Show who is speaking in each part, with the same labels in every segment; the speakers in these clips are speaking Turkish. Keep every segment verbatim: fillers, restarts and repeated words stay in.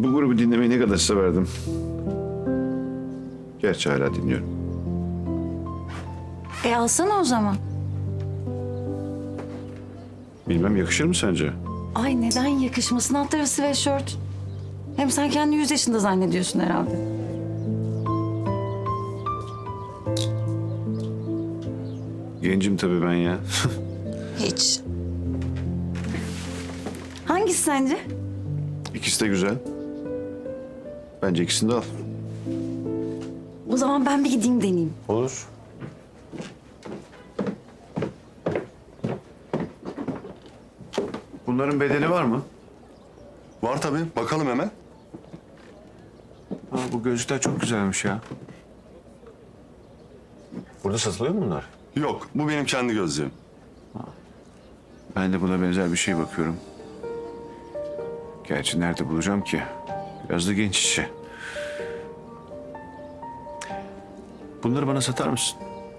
Speaker 1: Bu grubu dinlemeyi ne kadar severdim. Gerçi hala dinliyorum.
Speaker 2: E alsana o zaman.
Speaker 1: Bilmem yakışır mı sence?
Speaker 2: Ay neden yakışmasın? Alt tarafı sweatshirt. Hem sen kendini yüz yaşında zannediyorsun herhalde.
Speaker 1: Gencim tabii ben ya.
Speaker 2: Hiç. Hangisi sence?
Speaker 1: İkisi de güzel. Bence ikisini de al.
Speaker 2: O zaman ben bir gideyim deneyeyim.
Speaker 1: Olur. Bunların bedeli var mı?
Speaker 3: Var tabii. Bakalım hemen.
Speaker 1: Ha, bu gözlükler çok güzelmiş ya. Burada satılıyor mu bunlar?
Speaker 3: Yok, bu benim kendi gözlüğüm.
Speaker 1: Ben de buna benzer bir şey bakıyorum. Gerçi nerede bulacağım ki? Biraz da genç işi. Bunları bana satar mısın?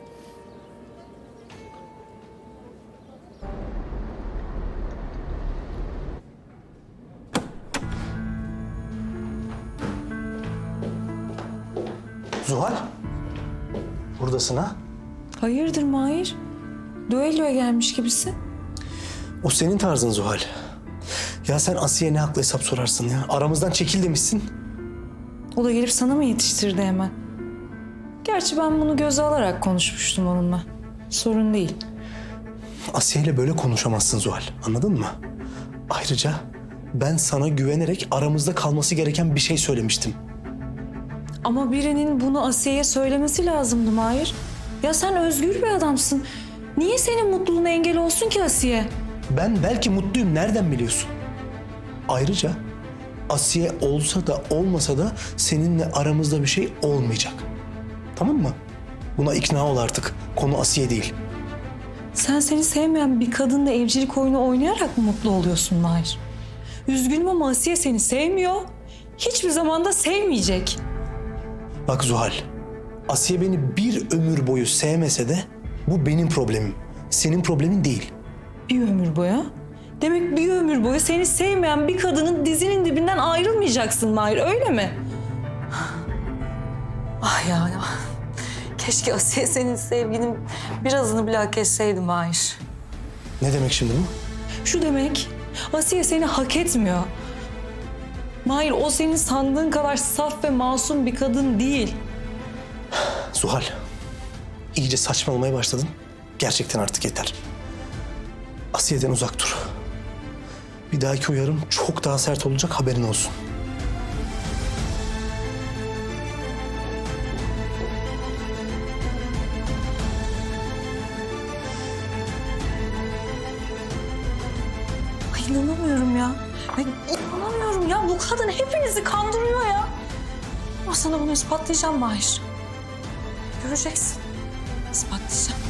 Speaker 4: Zuhal. Buradasın ha?
Speaker 5: Hayırdır Mahir? Düelloya gelmiş gibisin.
Speaker 4: O senin tarzın Zuhal. Ya sen Asiye'ye ne hakla hesap sorarsın ya? Aramızdan çekil demişsin.
Speaker 5: O da gelip sana mı yetiştirdi hemen? Gerçi ben bunu göze alarak konuşmuştum onunla. Sorun değil.
Speaker 4: Asiye'yle böyle konuşamazsın Zuhal. Anladın mı? Ayrıca ben sana güvenerek aramızda kalması gereken bir şey söylemiştim.
Speaker 5: Ama birinin bunu Asiye'ye söylemesi lazımdı Mahir. Ya sen özgür bir adamsın. Niye senin mutluluğuna engel olsun ki Asiye?
Speaker 4: Ben belki mutluyum. Nereden biliyorsun? Ayrıca Asiye olsa da olmasa da seninle aramızda bir şey olmayacak. Tamam mı? Buna ikna ol artık. Konu Asiye değil.
Speaker 5: Sen seni sevmeyen bir kadınla evcilik oyunu oynayarak mı mutlu oluyorsun Mahir? Üzgünüm ama Asiye seni sevmiyor. Hiçbir zaman da sevmeyecek.
Speaker 4: Bak Zuhal, Asiye beni bir ömür boyu sevmese de bu benim problemim. Senin problemin değil.
Speaker 5: Bir ömür boyu? Demek bir ömür boyu seni sevmeyen bir kadının dizinin dibinden ayrılmayacaksın Mahir, öyle mi? Ah ya ya. Keşke Asiye senin sevginin birazını bile hak etseydi Mahir.
Speaker 4: Ne demek şimdi bu?
Speaker 5: Şu demek, Asiye seni hak etmiyor. Mahir, o senin sandığın kadar saf ve masum bir kadın değil.
Speaker 4: Zuhal, iyice saçmalamaya başladın. Gerçekten artık yeter. Asiye'den uzak dur. Bir dahaki uyarım çok daha sert olacak, haberin olsun.
Speaker 5: Ay inanamıyorum ya. Ay inanamıyorum ya. Bu kadın hepinizi kandırıyor ya. Ama sana bunu ispatlayacağım Mahir. Göreceksin. İspatlayacağım.